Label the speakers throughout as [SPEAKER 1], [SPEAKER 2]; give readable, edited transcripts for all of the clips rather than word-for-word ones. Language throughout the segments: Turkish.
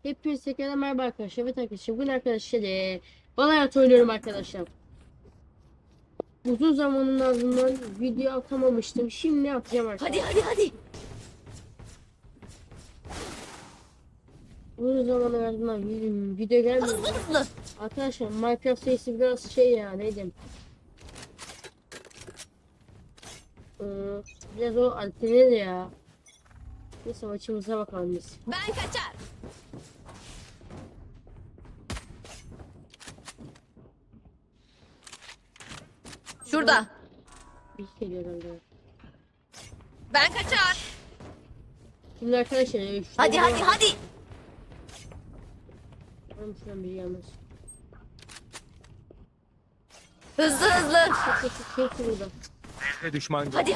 [SPEAKER 1] Hepinize tekrar merhaba arkadaşlar. Evet arkadaşlar, bugün arkadaşlar Valorant oynuyorum arkadaşlar. Uzun zamanın ardından video atamamıştım. Şimdi ne yapacağım arkadaşlar?
[SPEAKER 2] Hadi.
[SPEAKER 1] Uzun zamanın ardından video gelmedi.
[SPEAKER 2] Hızlı.
[SPEAKER 1] Arkadaşlar Minecraft serisi biraz şey ya, neydi? Ee, Biraz o alternate ya. Neyse, maçımıza bakalım biz.
[SPEAKER 2] Ben kaçar. Şurada.
[SPEAKER 1] Bir şey geliyor herhalde.
[SPEAKER 2] Ben kaçar.
[SPEAKER 1] Şimdi arkadaşlar
[SPEAKER 2] Hadi.
[SPEAKER 1] Umarım şuradan biri gelmez.
[SPEAKER 2] Hızlı.
[SPEAKER 1] Şey burada.
[SPEAKER 3] Ne düşman
[SPEAKER 2] Hadi.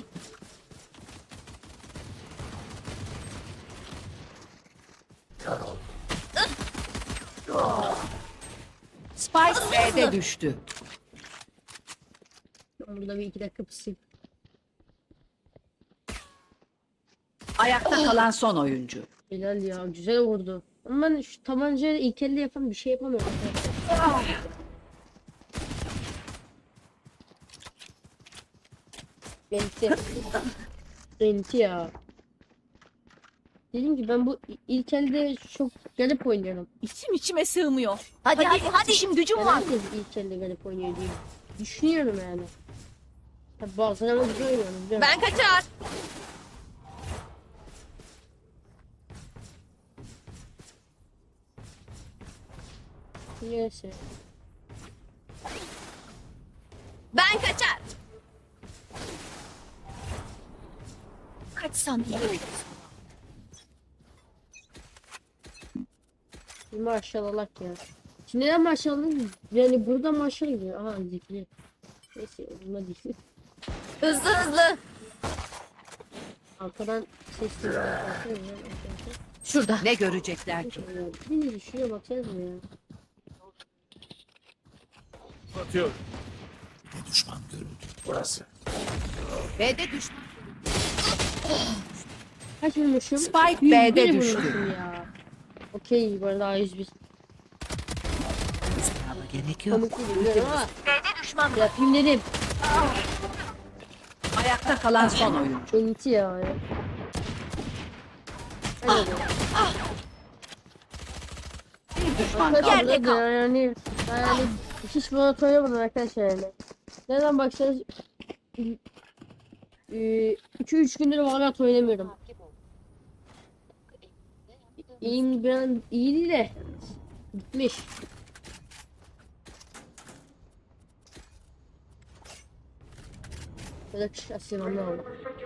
[SPEAKER 4] Spike B'de düştü.
[SPEAKER 1] Ben burada bir iki dakika pısayım.
[SPEAKER 4] Ayakta kalan son oyuncu.
[SPEAKER 1] Helal ya, güzel vurdu. Ama ben şu tabancayla ilk elde yapan bir şey yapamıyorum. Benti. Benti ya. Dedim ki ben bu ilk elde çok garip oynuyorum.
[SPEAKER 2] İçim içime sığmıyor. Hadi. İşim gücüm var.
[SPEAKER 1] Herkes ilk elde garip oynuyor diye düşünüyorum yani. Tabi bazen ama güzel oynuyorum. Biliyorum.
[SPEAKER 2] Ben kaçar.
[SPEAKER 1] Neyse.
[SPEAKER 2] Ben kaçar. Kaçsam iyi.
[SPEAKER 1] Bir maşallah ya. Şimdi neden maşallah? Yani burada maşallah gidiyor. Aha zikri. Neyse buna değil.
[SPEAKER 2] Hızlı.
[SPEAKER 1] Arkadan ses geliyor.
[SPEAKER 2] Şurada.
[SPEAKER 4] Ne görecekler ki?
[SPEAKER 1] Beni düşüyor, baksanıza ya.
[SPEAKER 3] atıyor.
[SPEAKER 4] B'de düştü.
[SPEAKER 1] Kaç vurmuşum?
[SPEAKER 4] Spike
[SPEAKER 1] 101
[SPEAKER 4] B'de
[SPEAKER 1] vurmuşum
[SPEAKER 4] düştü.
[SPEAKER 1] ya. Okey, bu arada A101.
[SPEAKER 4] Gerek yok.
[SPEAKER 1] Komik değil ama. Yapayım dedim.
[SPEAKER 4] Ayakta kalan son oyuncu.
[SPEAKER 1] Enti ya. Hadi.
[SPEAKER 4] Bir düşman
[SPEAKER 1] Arkadaşlar
[SPEAKER 4] kaldı.
[SPEAKER 2] Yerde kal.
[SPEAKER 1] yani hiç bana oynamadım arkadaşlar yani. Neden baksanız 2-3 gündür Valorant oynamıyorum. İyiyim, ben iyiydi de gitmiş. Böyle aslında oldu.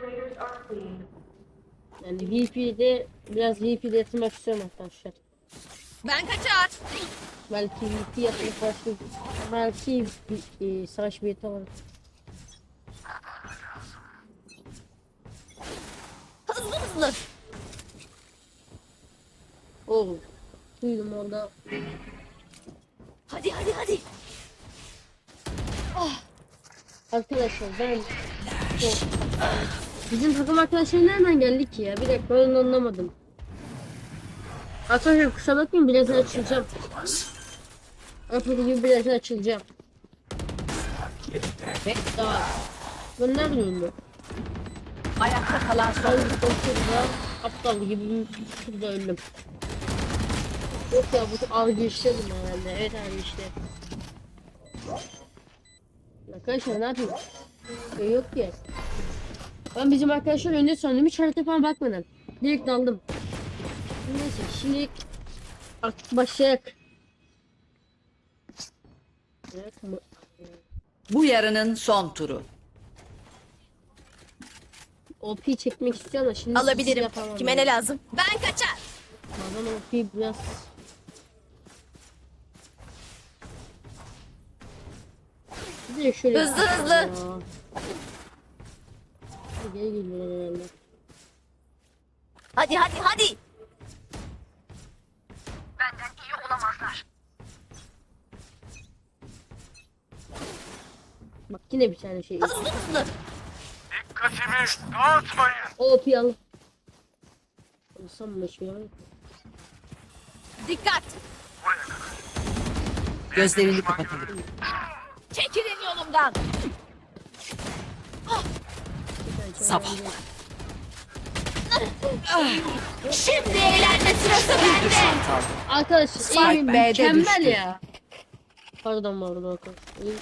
[SPEAKER 1] Yani VP'de biraz VP'de yatırmak istiyorum arkadaşlar.
[SPEAKER 2] Ben kaçar.
[SPEAKER 1] Belki VP yatırıp başka belki savaş bileti alırım.
[SPEAKER 2] Hızlı.
[SPEAKER 1] Oğlum duydum orada.
[SPEAKER 2] Hadi.
[SPEAKER 1] Arkadaşlar ben bizim takım arkadaşlar nereden geldik ki ya? Bir dakika, ben onu anlamadım. Arkadaşlar kusura bakmayın, birazdan açılacağım. Apple gibi birazdan açılacağım. Daha. Ben nereden öldüm?
[SPEAKER 4] Ayakta kalan son
[SPEAKER 1] Ben
[SPEAKER 4] oyuncu.
[SPEAKER 1] şurada aptal gibi şurada öldüm. Yok ya, bu algı işledim herhalde. Evet abi, işte. Arkadaşlar ne yapayım? Şey yok ki. Ben bizim arkadaşlar önde sandım, hiç harita falan bakmadan. Direkt daldım. Neyse şimdi artık başlayak. Evet,
[SPEAKER 4] Bu yarının son turu.
[SPEAKER 1] OP çekmek istiyorum da şimdi
[SPEAKER 2] Alabilirim.
[SPEAKER 1] yapamam
[SPEAKER 2] Kime
[SPEAKER 1] yani.
[SPEAKER 2] ne lazım? Ben kaçar.
[SPEAKER 1] Bazen OP biraz bir de şöyle
[SPEAKER 2] Hızlı.
[SPEAKER 1] Ya. Geri geliyorlar herhalde.
[SPEAKER 2] Hadi.
[SPEAKER 1] Bak yine bir tane şey.
[SPEAKER 2] Hızlı.
[SPEAKER 3] Dikkatimi dağıtmayın.
[SPEAKER 1] OP al. Alsam mı şey var?
[SPEAKER 2] Dikkat.
[SPEAKER 4] Gözlerini kapatalım.
[SPEAKER 2] Çekilin yolumdan.
[SPEAKER 4] Sabah.
[SPEAKER 2] Şimdi eğlenme sırası
[SPEAKER 4] Bir
[SPEAKER 2] bende.
[SPEAKER 4] düşman kaldı.
[SPEAKER 1] Arkadaşlar
[SPEAKER 4] Spike
[SPEAKER 1] eğimim
[SPEAKER 4] B'de
[SPEAKER 1] mükemmel
[SPEAKER 4] düştü.
[SPEAKER 1] ya. Pardon arkadaşlar.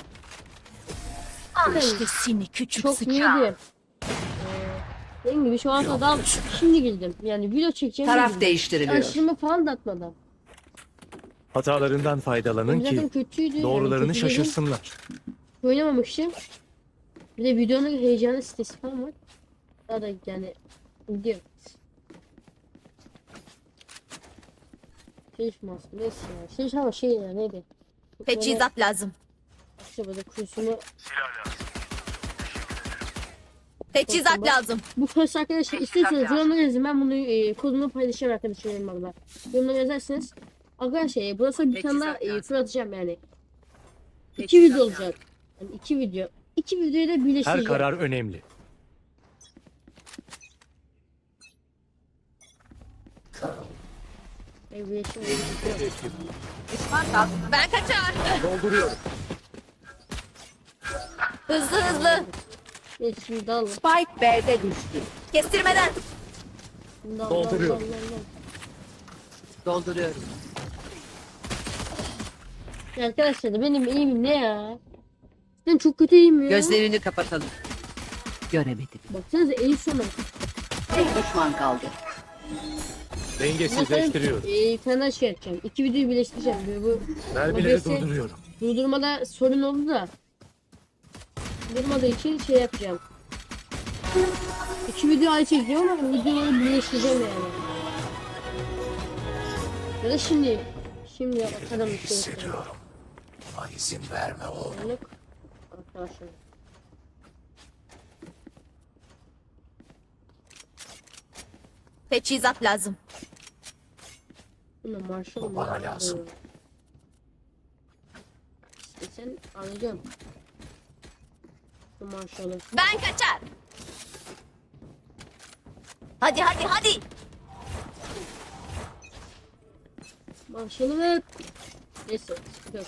[SPEAKER 2] Al işte seni küçük
[SPEAKER 1] Çok iyiydi. Dediğim gibi şu an adam şimdi girdim. Yani video çekeceğim.
[SPEAKER 4] Taraf
[SPEAKER 1] girdim.
[SPEAKER 4] değiştiriliyor.
[SPEAKER 1] Aşırımı falan da atmadan.
[SPEAKER 3] Hatalarından faydalanın
[SPEAKER 1] Zaten
[SPEAKER 3] ki
[SPEAKER 1] kötüydü.
[SPEAKER 3] doğrularını
[SPEAKER 1] yani kötü dedim.
[SPEAKER 3] şaşırsınlar.
[SPEAKER 1] Oynamamıştım. Bir de videonun heyecanı sitesi falan var. Daha da yani gidiyor. Şey maske neyse ya. Şey ama şey ya neydi?
[SPEAKER 2] Teçhizat lazım.
[SPEAKER 1] Böyle kursumu.
[SPEAKER 2] Teçhizat lazım.
[SPEAKER 1] Bu kurs arkadaşlar istiyorsanız yorumlara yazın. Ben bunu kodunu paylaşacağım arkadaşlarım valla. Yorumlara yazarsınız. Arkadaşlar burası bir tane daha fırlatacağım yani. 2 video olacak. Yani 2 video. 2 videoyu da
[SPEAKER 3] Her
[SPEAKER 1] birleştireceğim.
[SPEAKER 3] karar önemli.
[SPEAKER 2] Düşman kaldı. Ben kaçar.
[SPEAKER 3] Dolduruyorum.
[SPEAKER 2] Hızlı hızlı.
[SPEAKER 1] Şimdi dal.
[SPEAKER 4] Spike B'de düştü.
[SPEAKER 2] Kestirmeden.
[SPEAKER 3] Dolduruyor.
[SPEAKER 4] Dolduruyorum.
[SPEAKER 1] Ya arkadaşlar benim eğimim ne ya? Ben çok kötü eğim ya.
[SPEAKER 4] Gözlerini kapatalım. Göremedim.
[SPEAKER 1] Baksanıza eğim sonu.
[SPEAKER 4] Bir düşman kaldı.
[SPEAKER 3] Dengesizleştiriyorum.
[SPEAKER 1] Bir tane daha şey yapacağım. 2 videoyu birleştireceğim. Bu
[SPEAKER 3] Mermileri
[SPEAKER 1] OBS
[SPEAKER 3] durduruyorum.
[SPEAKER 1] durdurmada sorun oldu da. Durmadığı için şey yapacağım. 2 video ayrı çekeceğim ama videoları birleştireceğim yani. Ya da şimdi. Şimdi bakalım. Hissediyorum.
[SPEAKER 3] Buna izin verme oğlum.
[SPEAKER 1] Arkadaşlar.
[SPEAKER 2] Teçhizat lazım.
[SPEAKER 1] Buna Marshall
[SPEAKER 3] Bu bana lazım.
[SPEAKER 1] İstesen alacağım. Bu Marshall'ı.
[SPEAKER 2] Ben kaçar. Hadi hadi hadi.
[SPEAKER 1] Marshall'ı ver. Neyse. Yok.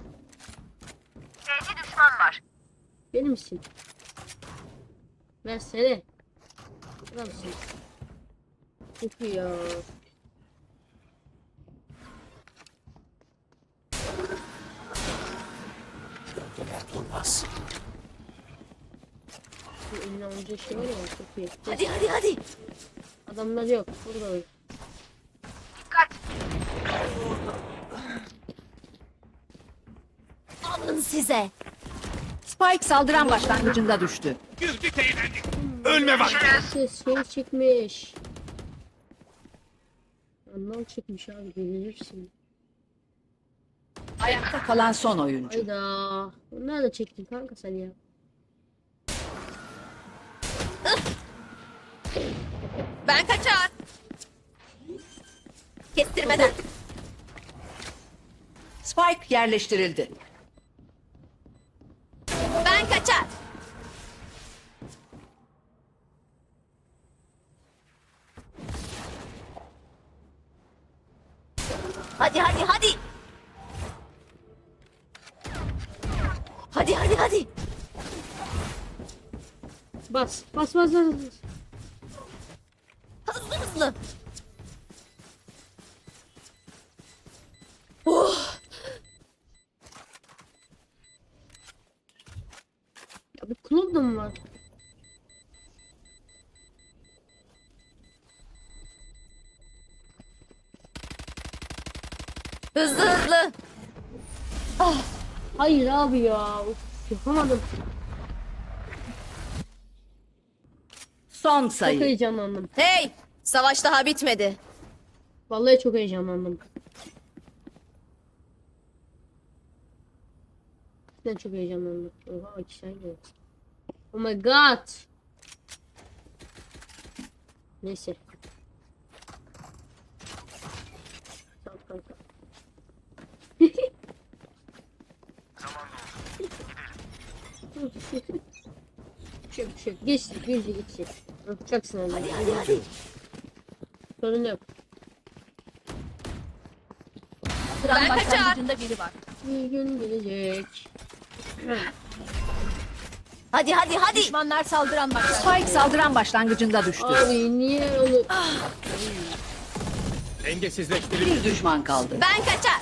[SPEAKER 2] Evde düşman var.
[SPEAKER 1] Benim misin? Versene. Adamsın. Çok iyi ya.
[SPEAKER 3] Durmaz.
[SPEAKER 1] Bu eline alınca şey var ya çok iyi.
[SPEAKER 2] Hadi hadi hadi.
[SPEAKER 1] Adamlar yok. Burada öyle.
[SPEAKER 2] Alın size.
[SPEAKER 4] Spike saldıran başlangıcında düştü.
[SPEAKER 3] Güldük eğlendik. Ölme vakti.
[SPEAKER 1] Şey çekmiş. Anlam çekmiş abi. Görülürsün.
[SPEAKER 4] Ayakta kalan son oyuncu.
[SPEAKER 1] Hayda. Nerede çektin kanka sen ya?
[SPEAKER 2] Ben kaçar. Kestirmeden.
[SPEAKER 4] Spike yerleştirildi.
[SPEAKER 2] Ben kaçar. Hadi hadi hadi. Hadi hadi hadi.
[SPEAKER 1] Bas. Bas bas bas.
[SPEAKER 2] Hızlı hızlı. Oh.
[SPEAKER 1] Ya bu klon da mı var?
[SPEAKER 2] Hızlı hızlı.
[SPEAKER 1] Hayır abi ya. Of, yapamadım.
[SPEAKER 4] Son
[SPEAKER 1] Çok
[SPEAKER 4] sayı.
[SPEAKER 1] heyecanlandım.
[SPEAKER 2] Hey, savaş daha bitmedi.
[SPEAKER 1] Vallahi çok heyecanlandım. Ben çok heyecanlandım. Oha iki şey geldi. Oh my god. Neyse. Tamam kanka. Bir şey yok. Geçtik. Geçtik. Yapacaksın onu.
[SPEAKER 2] Hadi hadi hadi.
[SPEAKER 1] Sorun yok.
[SPEAKER 4] Saldıran
[SPEAKER 2] Ben kaçar.
[SPEAKER 4] başlangıcında biri var.
[SPEAKER 1] Bir gün gelecek.
[SPEAKER 2] Hadi hadi hadi.
[SPEAKER 4] Düşmanlar saldıran başlangıcında. Spike saldıran başlangıcında düştü.
[SPEAKER 1] Abi niye onu...
[SPEAKER 3] Dengesizleştirildi.
[SPEAKER 4] Bir düşman kaldı.
[SPEAKER 2] Ben kaçar.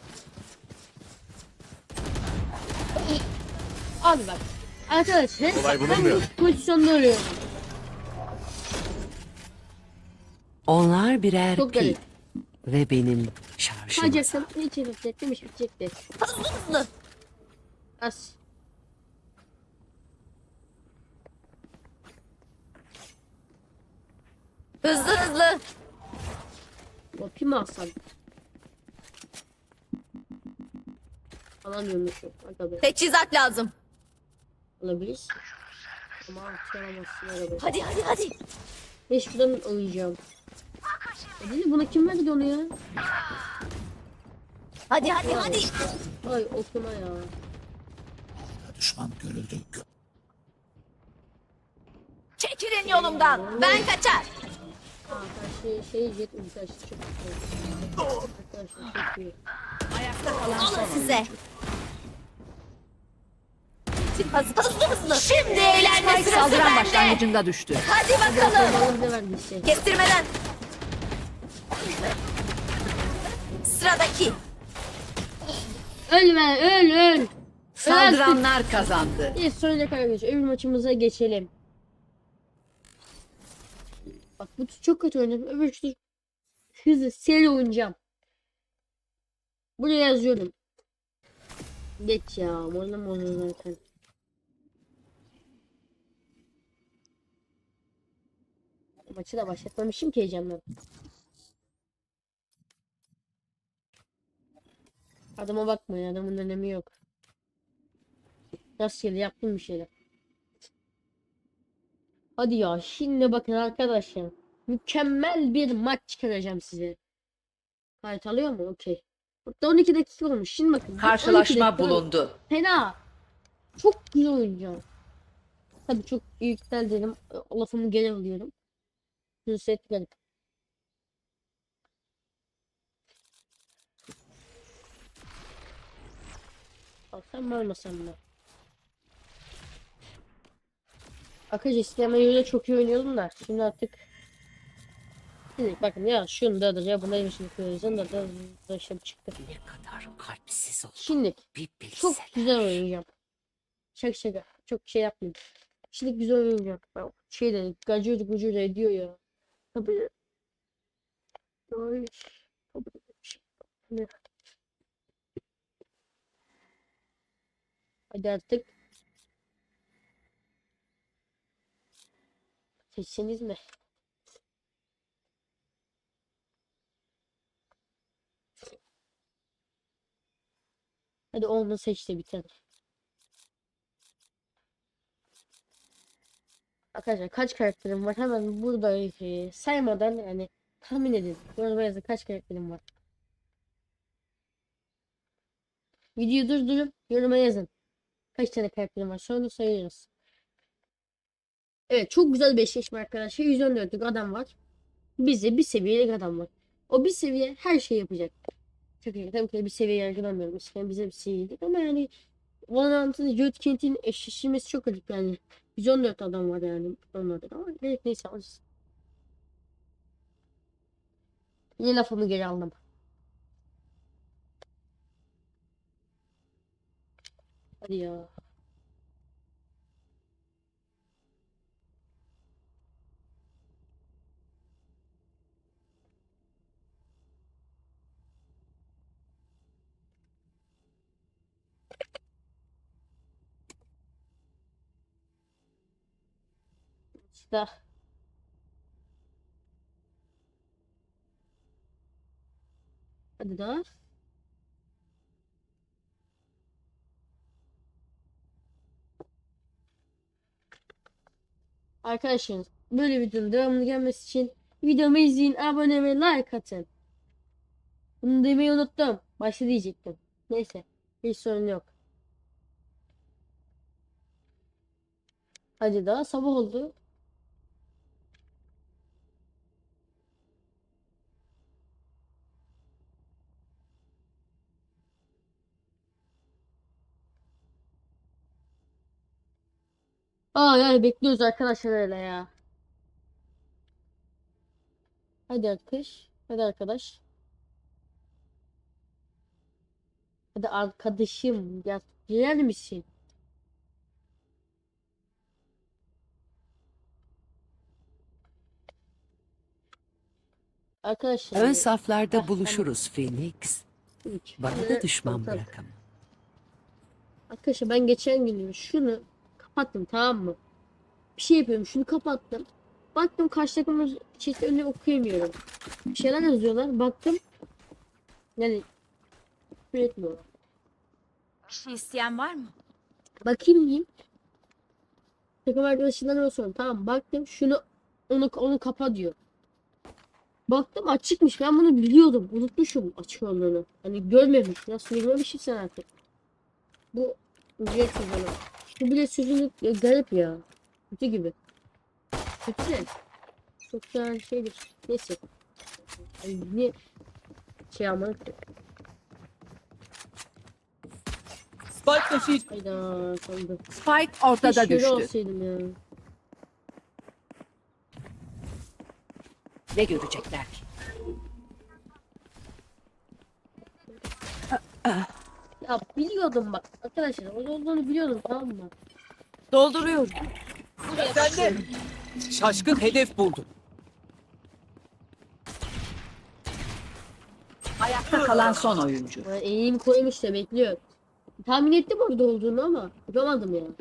[SPEAKER 1] Abi bak. Arkadaşlar
[SPEAKER 3] Kolay
[SPEAKER 1] ben
[SPEAKER 3] bulunmuyor.
[SPEAKER 1] bu pozisyonda arıyorum.
[SPEAKER 5] Onlar birer
[SPEAKER 1] Çok
[SPEAKER 5] pil
[SPEAKER 1] garip.
[SPEAKER 5] ve benim şarjım.
[SPEAKER 1] Kaçacaksın. Hiç yapacaktım. Hiç bitecekti.
[SPEAKER 2] Hızlı hızlı.
[SPEAKER 1] Az.
[SPEAKER 2] Hızlı hızlı.
[SPEAKER 1] Vapi mi alsam? Alamıyormuşum. Aga be.
[SPEAKER 2] Teçhizat lazım.
[SPEAKER 1] Alabiliriz. Ama atıramazsın arabayı.
[SPEAKER 2] Hadi hadi hadi.
[SPEAKER 1] Beş şuradan oynayacağım. Değil buna kim verdi onu ya?
[SPEAKER 2] Hadi hadi hadi.
[SPEAKER 1] Ay okuma ya.
[SPEAKER 3] Düşman görüldü.
[SPEAKER 2] Çekilin yolumdan. Ben kaçar.
[SPEAKER 1] Aa karşı şey jet ulti açtı çok güzel. Arkadaşlar çok iyi.
[SPEAKER 2] Alın size. Hızlı hızlı. Şimdi eğlenme
[SPEAKER 4] Spike
[SPEAKER 2] sırası
[SPEAKER 4] saldıran
[SPEAKER 2] bende.
[SPEAKER 4] başlangıcında düştü.
[SPEAKER 2] Hadi bakalım.
[SPEAKER 1] Allah ne verdiyse.
[SPEAKER 2] Kestirmeden. Sıradaki.
[SPEAKER 1] Ölme öl.
[SPEAKER 4] Saldıranlar kazandı.
[SPEAKER 1] Bir sonraki arkadaşlar öbür maçımıza geçelim. Bak bu tur çok kötü oynadım. Öbür tur hızlı seri oynayacağım. Buraya yazıyorum. Geç ya. Oynama zaten. Maçı da başlatmamışım ki heyecandan. Adama bakmayın. Adamın önemi yok. Rastgele yaptım bir şeyler. Hadi ya şimdi bakın arkadaşlar. Mükemmel bir maç çıkaracağım size. Kayıt alıyor mu? Okey. Burada 12 dakika olmuş. Şimdi bakın. 12
[SPEAKER 4] Karşılaşma
[SPEAKER 1] dakika
[SPEAKER 4] bulundu.
[SPEAKER 1] fena. Çok güzel oynayacağım. Tabii çok yüktel dedim. Lafımı geri alıyorum. Nusret garip. Alsam mı almasam mı? Arkadaşlar isteme yönüyle çok iyi oynuyordum da şimdi artık şimdi bakın ya şunu da ya buna yemişini koyacağım da işte çıktı.
[SPEAKER 5] Ne kadar kalpsiz ol.
[SPEAKER 1] Şimdi
[SPEAKER 5] Bir
[SPEAKER 1] çok
[SPEAKER 5] bilsen.
[SPEAKER 1] güzel oynayacağım. Şaka çok şey yapmayayım. Şimdi güzel oynayacağım. Bak, şey de gacır gucur ediyor ya. Tabii. Ay, tabii. Hadi artık. Seçseniz mi? Hadi onu seç de biter. Arkadaşlar kaç karakterim var? Hemen burada saymadan yani tahmin edin. Yoruma yazın kaç karakterim var. Videoyu durdurup yoruma yazın. Kaç tane karakterim var? Sonra sayıyoruz. Evet çok güzel bir eşleşme arkadaşlar. 114'lük adam var. Bize bir seviyelik adam var. O bir seviye her şey yapacak. Çok iyi. Tabii ki bir seviye yargılamıyorum. Eskiden bize bir seviyeydik ama yani Valorant'ın Judgment'in eşleşmesi çok garip yani. 114 adam var yani onlarda ama evet, neyse alırız. Yine lafımı geri aldım. Hadi ya. İşte. Hadi daha. Arkadaşlar böyle videonun devamını gelmesi için videomu izleyin, abone ve like atın. Bunu demeyi unuttum. Başta diyecektim. Neyse. Hiç sorun yok. Hadi daha sabah oldu. Yani bekliyoruz arkadaşlar öyle ya. Hadi arkadaş. Hadi arkadaş. Hadi arkadaşım. Ya gelir misin? Arkadaşlar.
[SPEAKER 5] Ön saflarda
[SPEAKER 1] Heh,
[SPEAKER 5] buluşuruz Phoenix.
[SPEAKER 1] üç.
[SPEAKER 5] Bana da düşman bırakamam.
[SPEAKER 1] Arkadaşlar ben geçen gün şunu kapattım, tamam mı? Bir şey yapıyorum, şunu kapattım. Baktım karşı takımın chat'i önüne okuyamıyorum. Bir şeyler yazıyorlar. Baktım. Yani küfür etmiyorlar.
[SPEAKER 2] Bir şey isteyen var mı?
[SPEAKER 1] Bakayım diyeyim. Takım arkadaşından sonra tamam, baktım şunu onu kapa diyor. Baktım açıkmış. Ben bunu biliyordum. Unutmuşum açık olduğunu. Hani görmemiş. Nasıl görmemişim sen artık. Bu bilet sözünü. Bu bilet sözünü garip ya. Kötü gibi. Kötü de. Çok güzel şeydir. Neyse. Yani niye şey almadık ki?
[SPEAKER 6] Spike taşıyıcı.
[SPEAKER 1] Hayda sandım.
[SPEAKER 4] Spike ortada
[SPEAKER 1] Keşke öyle
[SPEAKER 4] düştü.
[SPEAKER 1] olsaydım ya.
[SPEAKER 4] Ne görecekler ki?
[SPEAKER 1] Ya biliyordum bak. Arkadaşlar o olduğunu biliyordum, tamam mı?
[SPEAKER 2] Dolduruyorum.
[SPEAKER 6] Sen de şaşkın hedef buldun.
[SPEAKER 4] Ayakta kalan son oyuncu.
[SPEAKER 1] Yani eğim koymuş da bekliyor. Tahmin ettim orada olduğunu ama yapamadım ya.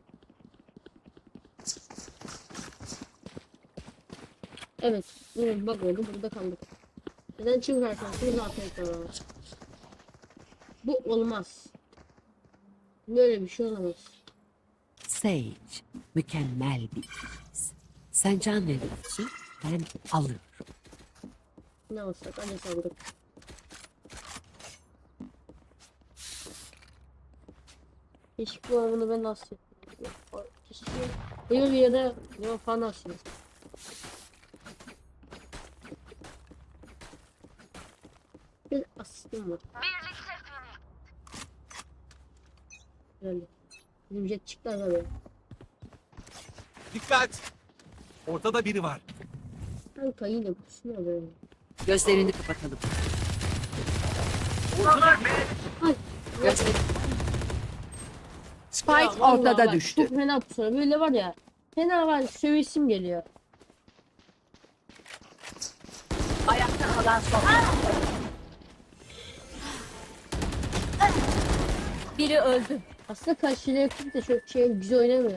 [SPEAKER 1] Evet. Bak oldu, burada kaldık. Neden çünkü arkadaşlar zaten var. Bu olmaz. Böyle bir şey olamaz.
[SPEAKER 5] Sage, mükemmel bir kız. Sen can veriyorsun, ben alıyorum.
[SPEAKER 1] Ne olsak hadi sandık. Keşke bu anını ben nasıl yapayım. Keşke Eylül ya da ne falan nasıl yapayım. Bir asistim var. Öyle. Bizim jet çıktı abi.
[SPEAKER 3] Dikkat. Ortada biri var.
[SPEAKER 1] Kanka yine pusuyor böyle.
[SPEAKER 4] Gözlerini kapatalım.
[SPEAKER 1] Ay.
[SPEAKER 4] Gözlerini... Spike
[SPEAKER 1] Ya vallahi
[SPEAKER 4] ortada
[SPEAKER 1] bak,
[SPEAKER 4] düştü.
[SPEAKER 1] Çok fena pusuyor. Böyle var ya. Fena var. Sövesim geliyor.
[SPEAKER 4] Ayakta kalan son oyuncu.
[SPEAKER 2] Biri öldü.
[SPEAKER 1] Aslında karşıya yakın da çok şey güzel oynamıyor.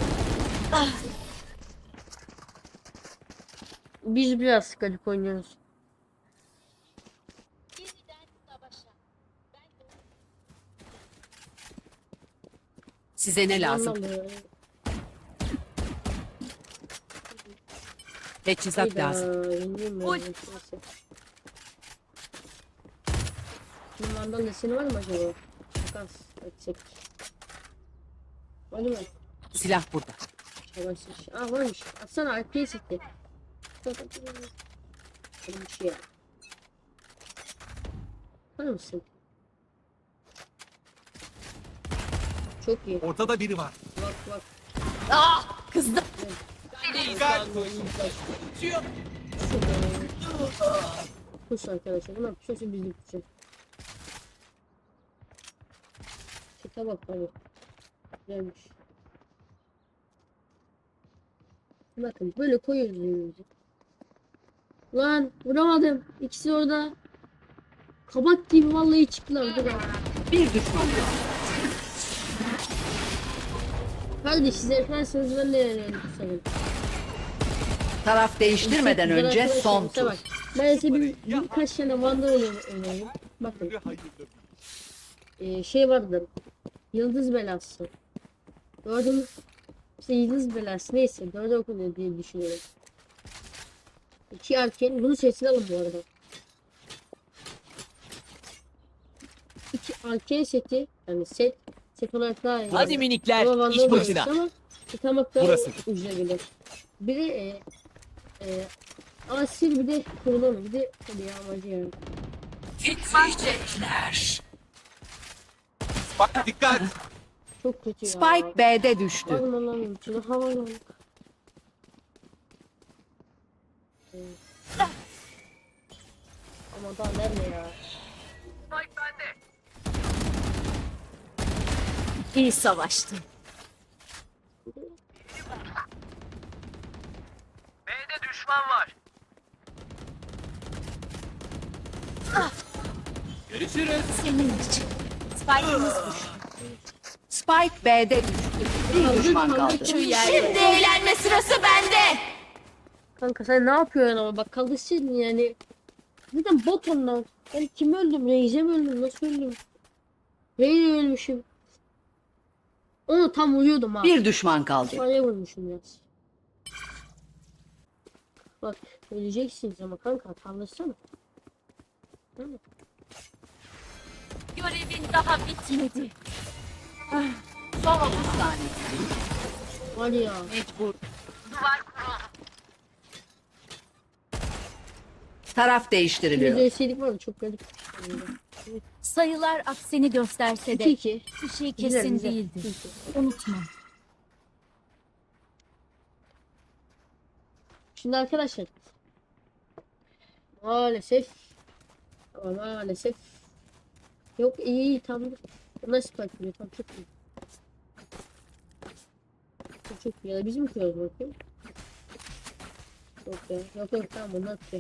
[SPEAKER 1] Biz biraz garip oynuyoruz.
[SPEAKER 4] Size ne lazım?
[SPEAKER 1] Anlamıyorum.
[SPEAKER 4] Teçhizat
[SPEAKER 1] Hayda,
[SPEAKER 4] lazım.
[SPEAKER 1] yeniyim ya.
[SPEAKER 2] Oy.
[SPEAKER 1] Neyse. Bunun mandal deseni var mı acaba? Takas etsek. Var mı?
[SPEAKER 4] Silah burada.
[SPEAKER 1] Savaşmış. Varmış. Atsana arkaya sekti. Bir şey. Var mısın? Çok iyi.
[SPEAKER 3] Ortada biri var.
[SPEAKER 1] Bak bak.
[SPEAKER 2] Kızdım.
[SPEAKER 3] Dikkat.
[SPEAKER 1] Kuş arkadaşlar. Bunlar kuşası bizim kuşu. Şaka bak abi. Güzelmiş. Bakın böyle koyuyoruz önümüzü. Lan vuramadım. İkisi orada. Kabak gibi vallahi çıktılar. Dur abi.
[SPEAKER 4] Bir düşman.
[SPEAKER 1] Kardeş siz yaparsanız ben de yanıyorum sanırım.
[SPEAKER 4] Taraf değiştirmeden
[SPEAKER 1] Güzel
[SPEAKER 4] önce
[SPEAKER 1] arkadaşlar,
[SPEAKER 4] son
[SPEAKER 1] işte
[SPEAKER 4] tur.
[SPEAKER 1] bak. Ben size birkaç tane Vandal oynayayım. Bakın. Şey vardı. Yıldız belası. Gördün mü? İşte yıldız belası neyse. Dörde okunuyor diye düşünüyorum. 2 erken. Bunu sesini alın bu arada. 2 erken seti. Yani set olarak daha iyi.
[SPEAKER 6] Hadi minikler,
[SPEAKER 1] Ama
[SPEAKER 6] iş
[SPEAKER 1] Vandal
[SPEAKER 6] başına.
[SPEAKER 1] belası ama yıkamak daha
[SPEAKER 3] Burası.
[SPEAKER 1] ucuza gelir. Biri asil bir de kurulama bir de hadi ya amacı ya.
[SPEAKER 5] Titriyecekler.
[SPEAKER 3] Bak dikkat.
[SPEAKER 1] çok kötü ya.
[SPEAKER 4] Spike B'de düştü.
[SPEAKER 1] Bakın lan içine havalı. Ama daha nerede ya?
[SPEAKER 2] İyi savaştın.
[SPEAKER 3] B'de düşman var. Görüşürüz.
[SPEAKER 2] Senin için. Spike'ımız düştü.
[SPEAKER 4] Spike B'de düştü. Bir düşman kaldı.
[SPEAKER 2] Şimdi eğlenme sırası bende.
[SPEAKER 1] Kanka sen ne yapıyorsun ama bak kalışın yani. Zaten bot onlar. Ben kim öldüm? Reis'e mi öldüm? Nasıl öldüm? Reis'e ölmüşüm. Onu tam vuruyordum ha.
[SPEAKER 4] Bir düşman kaldı.
[SPEAKER 1] Araya vurmuşum biraz. Bak öleceksiniz ama kanka kalışsana.
[SPEAKER 2] Görevin daha bitmedi.
[SPEAKER 4] Son 30 saniye.
[SPEAKER 1] Var ya.
[SPEAKER 4] Mecbur. Taraf değiştiriliyor.
[SPEAKER 1] %7'lik var çok garip.
[SPEAKER 2] Sayılar aksini gösterse de
[SPEAKER 1] 2-2.
[SPEAKER 2] bir şey
[SPEAKER 1] Güzel,
[SPEAKER 2] kesin
[SPEAKER 1] güzel.
[SPEAKER 2] değildi.
[SPEAKER 1] 2-2.
[SPEAKER 2] Unutma.
[SPEAKER 1] Şimdi arkadaşlar. Maalesef. Ama maalesef. Yok iyi tamam. Nasıl bakıyor? Tamam çok iyi. Çok iyi. Ya da bizim kıyıyoruz bakayım. Yok ya. Yok tamam bunu atacak.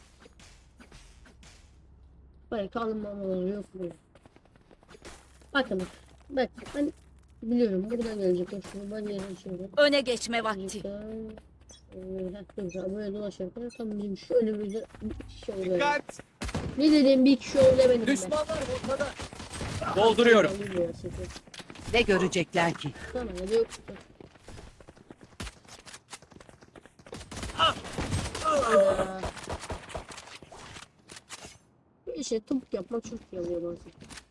[SPEAKER 1] Hayır kalmamaları yok mu? Bakın. Bak ben biliyorum buradan gelecek. Şunu ben yerine açıyorum.
[SPEAKER 2] Öne geçme vakti.
[SPEAKER 1] Böyle dolaşırken tam bizim şu önümüzde bir kişi oluyor.
[SPEAKER 3] Dikkat.
[SPEAKER 1] Ne dedim bir kişi oluyor benim ben.
[SPEAKER 6] Düşmanlar ortada.
[SPEAKER 3] Dolduruyorum.
[SPEAKER 4] Ne görecekler ki?
[SPEAKER 1] Tamam ya yok. Aa. İşte topuk yapmak çok iyi oluyor bazen.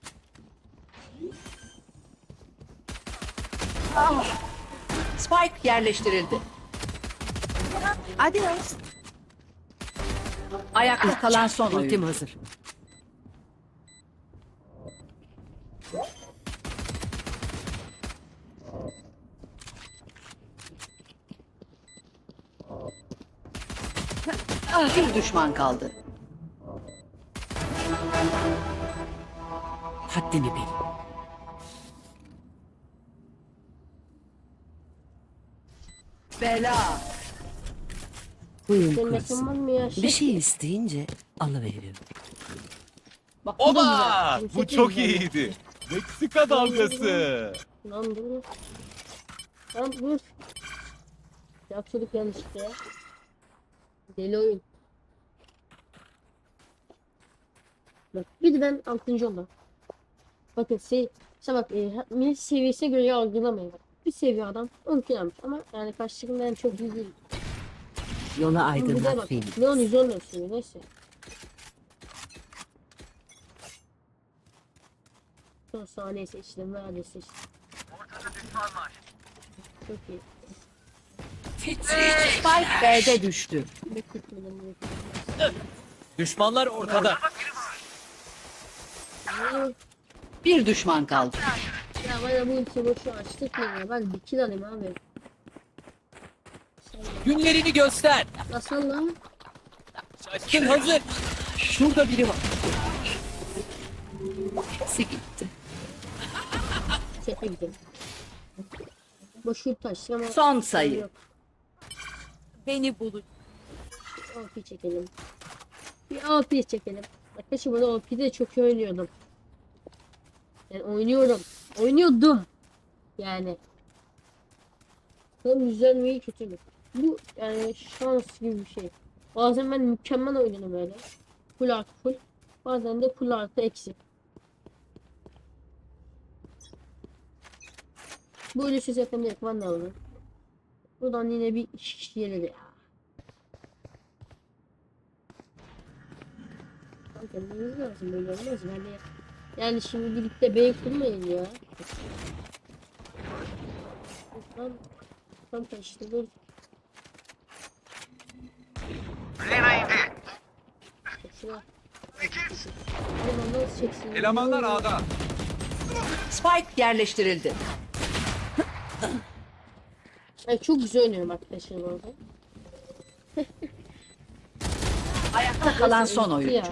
[SPEAKER 4] Spike yerleştirildi.
[SPEAKER 5] Adios.
[SPEAKER 4] Ayakta kalan son
[SPEAKER 5] Ultim
[SPEAKER 4] oyun.
[SPEAKER 5] hazır.
[SPEAKER 4] Bir düşman kaldı.
[SPEAKER 5] Haddini bil.
[SPEAKER 4] Bela.
[SPEAKER 5] Huyum
[SPEAKER 1] Senin
[SPEAKER 5] kurusun.
[SPEAKER 1] mekan var mı ya?
[SPEAKER 5] Bir şey isteyince alıveriyorum.
[SPEAKER 1] Bak, bu da
[SPEAKER 3] Oba!
[SPEAKER 1] güzel.
[SPEAKER 3] Bu çok iyiydi. Meksika dalgası.
[SPEAKER 1] Lan dur. Lan dur. Yapıyorduk yanlışlıkla ya. Deli oyun. Bak bir de ben 6. oldum. Bakın işte bak millet seviyesine göre yargılamayın. Bak, bir seviye adam 10 kilometre ama yani karşılığında yani çok iyi değil.
[SPEAKER 5] Yola
[SPEAKER 1] Ama bir de
[SPEAKER 5] aydınlat
[SPEAKER 1] bak
[SPEAKER 5] Phoenix.
[SPEAKER 1] Leon 114 seviye neyse. Son saniye seçtim. Nerede seçtim. Çok iyi.
[SPEAKER 4] Spike B'de düştü.
[SPEAKER 1] Bekletmedim.
[SPEAKER 6] Düşmanlar ortada.
[SPEAKER 4] Bir düşman kaldı.
[SPEAKER 1] Ya bana bu ulti boşu açtık mı ya? Ben bir kill alayım abi.
[SPEAKER 6] Günlerini göster.
[SPEAKER 1] Nasıl lan?
[SPEAKER 6] Şaşkın hazır. Şurada biri var.
[SPEAKER 4] Hepsi gitti.
[SPEAKER 1] Sete gidelim. Boş ulti açtık ama...
[SPEAKER 4] Son sayı.
[SPEAKER 1] Yok.
[SPEAKER 2] Beni bulun.
[SPEAKER 1] OP çekelim. Bir OP çekelim. Arkadaşlar burada OP'de çok iyi oynuyordum. Yani oynuyorum. Oynuyordum. Yani. Bakalım güzel mi iyi kötü mü? Bu yani şans gibi bir şey. Bazen ben mükemmel oynuyorum böyle. Full artı full. Bazen de full artı eksi. Bu ölüsüz yakın direkt ben de alırım. Buradan yine bir iş gelir ya. Kendiniz lazım böyle olmaz yani şimdi birlikte bey kurmayın ya. Tam kaçtı dur. Şuna. Elemanlar çeksin.
[SPEAKER 3] Elemanlar A'da.
[SPEAKER 4] Spike yerleştirildi.
[SPEAKER 1] Ay, çok güzel oynuyorum arkadaşlar bu arada.
[SPEAKER 4] Ayakta kalan son
[SPEAKER 1] Ya.
[SPEAKER 4] oyuncu.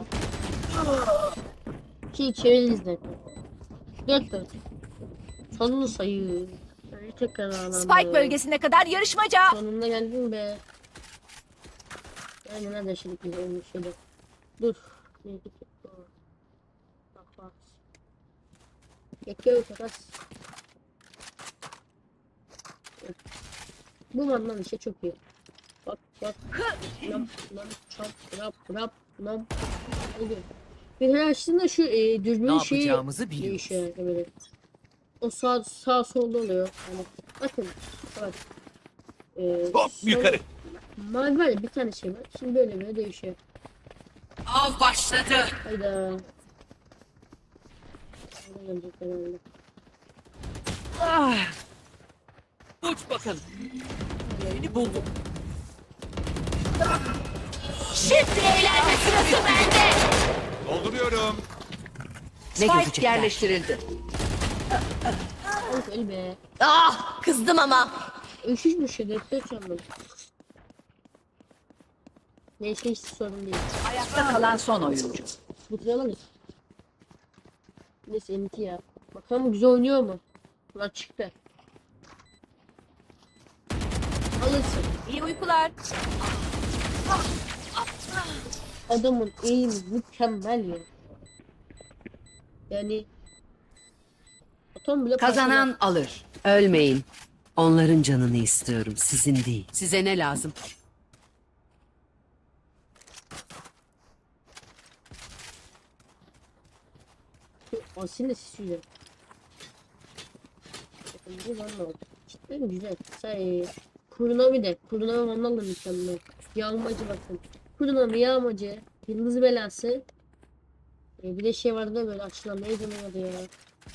[SPEAKER 1] Çeviririz de. 4-4. Sonunu sayı. Ay, tekrar ağlandı.
[SPEAKER 2] Spike bölgesine kadar yarışmaca.
[SPEAKER 1] Sonunda geldim be. Yani nerede şimdi güzel olmuş şöyle. Dur. Neydi ki? Bak bak. Yakıyor takas. Bu mandan işte çok iyi. Bak bak. Nam nam çap rap rap nam. Oluyor. Bir her açtığında şu dürbün
[SPEAKER 6] Ne
[SPEAKER 1] şeyi
[SPEAKER 6] yapacağımızı biliyoruz.
[SPEAKER 1] değişiyor yani böyle. O sağ solda oluyor. Yani bakın. Bak.
[SPEAKER 3] Hop yukarı.
[SPEAKER 1] Mavi var ya, bir tane şey var. Şimdi böyle değişiyor.
[SPEAKER 4] Av başladı.
[SPEAKER 1] Hayda. Hayda gelecek herhalde.
[SPEAKER 6] Uç bakalım. Beni buldum.
[SPEAKER 2] Şimdi eğlenme sırası bende.
[SPEAKER 3] Dolduruyorum.
[SPEAKER 5] Ne
[SPEAKER 4] Spike
[SPEAKER 5] görecekler?
[SPEAKER 4] yerleştirildi.
[SPEAKER 1] Of öl be.
[SPEAKER 2] Ah, kızdım ama.
[SPEAKER 1] Üşüşmüş ya. Dört canlı. Neyse hiç sorun değil.
[SPEAKER 4] Ayakta kalan son oyuncu.
[SPEAKER 1] Bitiremeyiz. Neyse MT ya. Bakalım güzel oynuyor mu? Ulan çıktı. Alırsın.
[SPEAKER 2] İyi uykular.
[SPEAKER 1] Adamın eğimi mükemmel ya. Yani atom bile
[SPEAKER 4] Kazanan alır.
[SPEAKER 5] Ölmeyin. Onların canını istiyorum, sizin değil. Size ne lazım?
[SPEAKER 1] Aslında sisiyor. Bakın bu valla oldu. Cidden güzel. Say Kurunami de. Kurunami vandal da mükemmel. Yağmacı bakın. Kurunami yağmacı. Yıldız belası. Bir de şey vardı da böyle açılan neydi onun adı ya.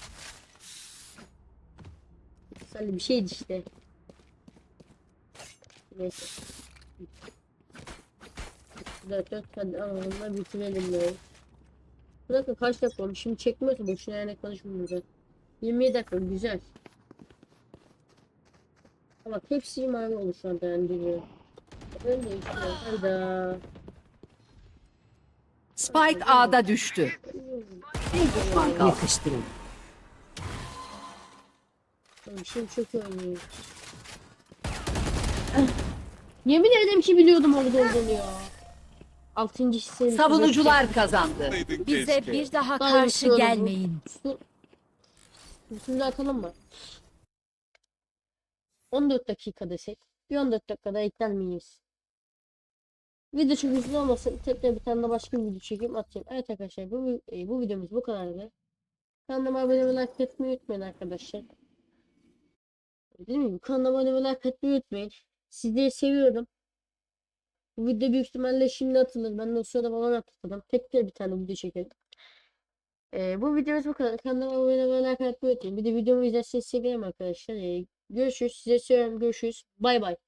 [SPEAKER 1] Güzel bir şeydi işte. Neyse. 4 hadi alalım bitirelim ya. Bir dakika kaç dakika olmuş? Şimdi çekmiyorsa boşuna yani konuşmuyoruz. 27 dakika güzel. Bak hepsi mavi olmuş şu anda yani duruyor. Ben de işte hayda.
[SPEAKER 4] Spike A'da düştü. Bir düşman kaldı.
[SPEAKER 5] Yakıştırın.
[SPEAKER 1] Oğlum şimdi çok iyi oynuyor. Yemin ederim ki biliyordum orada olduğunu ya. 6. hisseni.
[SPEAKER 4] Savunucular kazandı.
[SPEAKER 2] Bize
[SPEAKER 3] Keşke.
[SPEAKER 2] bir daha
[SPEAKER 1] Ben
[SPEAKER 2] karşı
[SPEAKER 1] unutuyorum bu.
[SPEAKER 2] gelmeyin.
[SPEAKER 1] Şimdi atalım mı? 14 dakika desek. Bir 14 dakikada ekler miyiz? Video çok uzun olmasın. Tekrar bir tane de başka bir video çekeyim atayım. Evet arkadaşlar bu videomuz bu kadardı. Kanalıma abone ve like etmeyi unutmayın arkadaşlar. Değil mi? Kanalıma abone ve like etmeyi unutmayın. Sizleri seviyorum. Bu video büyük ihtimalle şimdi atılır. Ben de o sırada falan atladım. Tekrar bir tane video çekelim. Bu videomuz bu kadar. Kanalıma abone ve like etmeyi unutmayın. Bir de videomu izlerseniz sevinirim arkadaşlar. Görüşürüz. Size seviyorum. Görüşürüz. Bay bay.